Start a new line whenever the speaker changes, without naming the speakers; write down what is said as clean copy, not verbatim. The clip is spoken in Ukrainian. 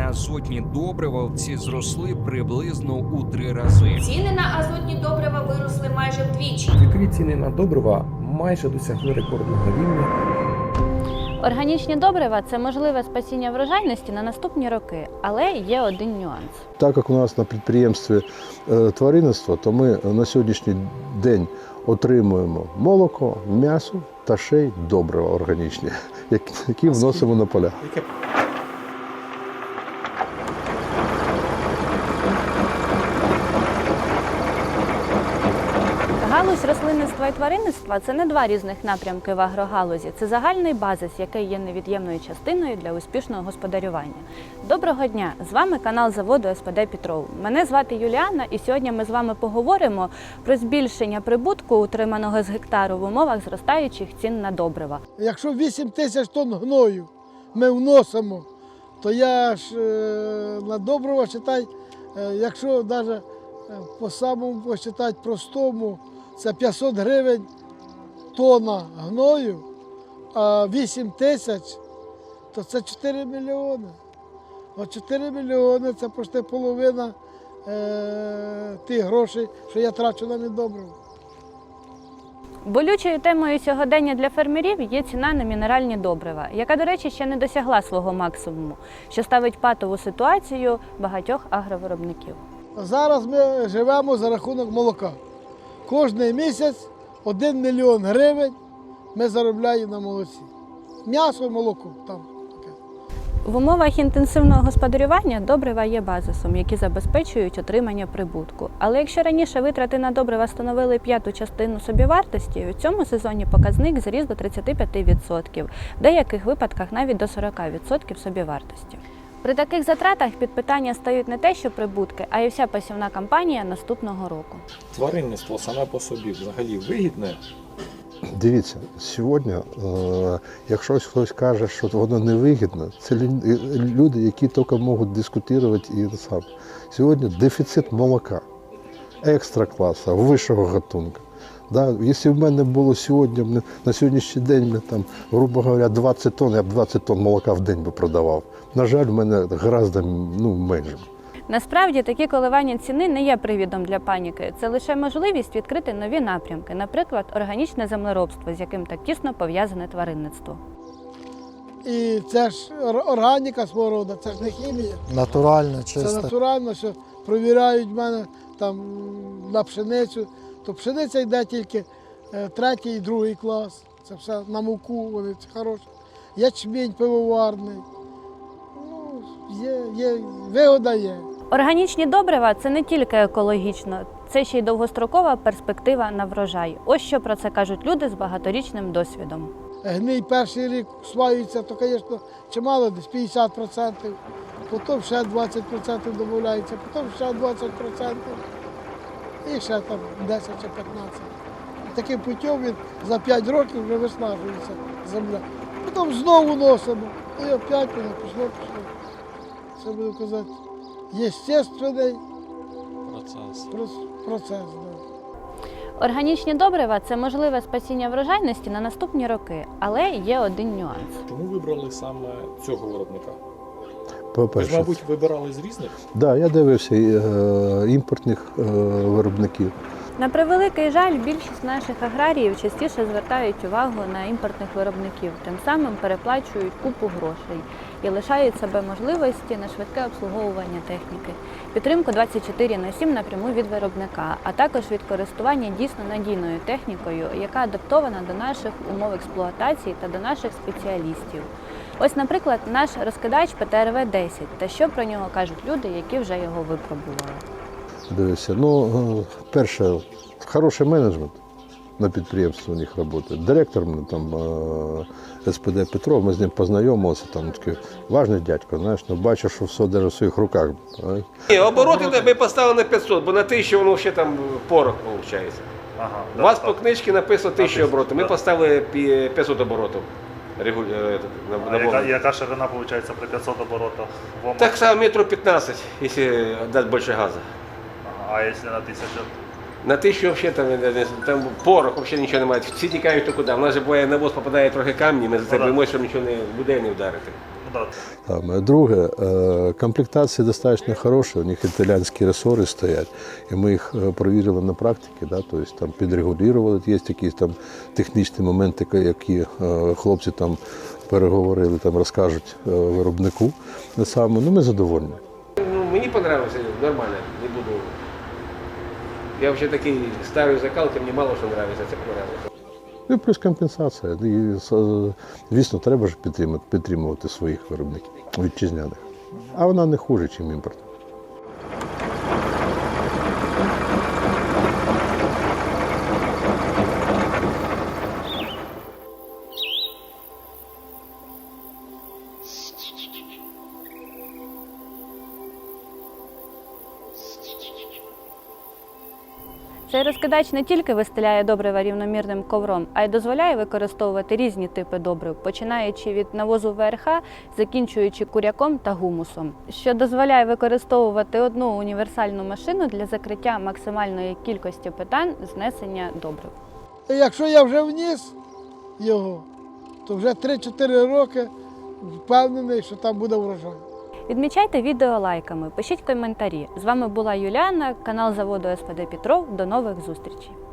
азотні добрива в ці зросли приблизно у 3 рази.
Ціни на азотні добрива виросли майже вдвічі.
Світові ціни на добрива майже досягли рекордного рівня.
Органічні добрива – це можливе спасіння врожайності на наступні роки, але є один нюанс.
Так як у нас на підприємстві тваринництво, то ми на сьогоднішній день отримуємо молоко, м'ясо та ще й добрива органічні, які вносимо на поля.
Галузь рослинництва і тваринництва – це не два різних напрямки в агрогалузі. Це загальний базис, який є невід'ємною частиною для успішного господарювання. Доброго дня! З вами канал заводу СПД «Петров». Мене звати Юліана, і сьогодні ми з вами поговоримо про збільшення прибутку, утриманого з гектару в умовах зростаючих цін на добрива.
Якщо 8 тисяч тонн гною ми вносимо, то я ж на добрива, читай, якщо навіть по самому посчитати простому, це 500 гривень тонна гною, а 8 тисяч, то це 4 мільйони. От 4 мільйони – це почти половина тих грошей, що я трачу на недобриво.
Болючою темою сьогодення для фермерів є ціна на мінеральні добрива, яка, до речі, ще не досягла свого максимуму, що ставить патову ситуацію багатьох агровиробників.
Зараз ми живемо за рахунок молока. Кожний місяць 1 мільйон гривень ми заробляємо на молоці. М'ясо, молоко там таке.
В умовах інтенсивного господарювання добрива є базисом, які забезпечують отримання прибутку. Але якщо раніше витрати на добрива становили 1/5 частину собівартості, у цьому сезоні показник зріс до 35%, в деяких випадках навіть до 40% собівартості. При таких затратах під питання стають не те, що прибутки, а й вся посівна кампанія наступного року.
Тваринництво саме по собі взагалі вигідне.
Дивіться, сьогодні, якщо хтось каже, що воно невигідно, це люди, які тільки можуть дискутувати і сам. Сьогодні дефіцит молока, екстра класу, вищого гатунку. Да, якщо в мене було сьогодні, на сьогоднішній день, там, грубо говоря, 20 тонн, я б 20 тонн молока в день би продавав. На жаль, в мене гораздо менше.
Насправді, такі коливання ціни не є привідом для паніки. Це лише можливість відкрити нові напрямки, наприклад, органічне землеробство, з яким так тісно пов'язане тваринництво.
І це ж органіка свого роду, це ж не хімія.
Натурально,
Це
чисто.
натурально, що провіряють в мене там на пшеницю. То пшениця йде тільки 3-й і 2-й клас. Це все на муку, вони хороші. Ячмінь пивоварний. Ну, є, вигода є.
Органічні добрива – це не тільки екологічно, це ще й довгострокова перспектива на врожай. Ось що про це кажуть люди з багаторічним досвідом.
Гній перший рік усваюється, то, звісно, чимало, десь 50%, потім ще 20% додається, потім ще 20%. І ще там 10 чи 15. Таким путем він за 5 років вже виснажується земля. Потім знову носимо. І опять воно пішло. Це буду казати, естественний процес. Да.
Органічні добрива – це можливе спасіння врожайності на наступні роки, але є один нюанс.
Чому вибрали саме цього виробника? Ви
По-перше,
ж, мабуть, вибирали з різних?
да, я дивився імпортних виробників.
На превеликий жаль, більшість наших аграріїв частіше звертають увагу на імпортних виробників, тим самим переплачують купу грошей і лишають себе можливості на швидке обслуговування техніки, підтримку 24/7 напряму від виробника, а також від користування дійсно надійною технікою, яка адаптована до наших умов експлуатації та до наших спеціалістів. Ось, наприклад, наш розкидач ПТРВ-10, та що про нього кажуть люди, які вже його випробували.
Дивився. Ну, перше, хороший менеджмент на підприємстві у них працює. Директор мене там СПД Петров, ми з ним познайомилися, там такий важний дядько, знаєш, ну, бачиш, що все держить в своїх руках.
Ні, обороти ми поставили на 500, бо на 1000 воно ще там порох виходить.
Ага,
У вас по книжці написано 1000 оборотів, ми поставили 500 оборотів.
Яка ширина виходить при 500 оборотах?
Так само 1,15 м, якщо дати більше газу.
Ага, а якщо на 1000?
На те, що взагалі там порох, взагалі нічого немає. Всі тікають то куди. У нас же буває на воз попадає трохи камні, ми за це боїмося, щоб нічого не буде не вдарити.
Да.
Там. Друге, комплектації достатньо хороші, у них італійські ресори стоять, і ми їх перевірили на практиці, да, тобто там підрегулювали, є якісь там технічні моменти, які хлопці там переговорили, там розкажуть виробнику. Саме. Ну, ми задоволені.
Ну, мені подобається, нормально, не буду. Я взагалі такий старий закалки, мені мало що подобається, це подобається.
Ну, і плюс компенсація. І, звісно, треба ж підтримувати своїх виробників вітчизняних. А вона не хуже, ніж імпорт.
Цей розкидач не тільки вистеляє добрива рівномірним ковром, а й дозволяє використовувати різні типи добрив, починаючи від навозу ВРХ, закінчуючи куряком та гумусом, що дозволяє використовувати одну універсальну машину для закриття максимальної кількості питань знесення добрив.
І якщо я вже вніс його, то вже 3-4 роки впевнений, що там буде врожай.
Відмічайте відео лайками, пишіть коментарі. З вами була Юліана, канал заводу СПД Петров. До нових зустрічей!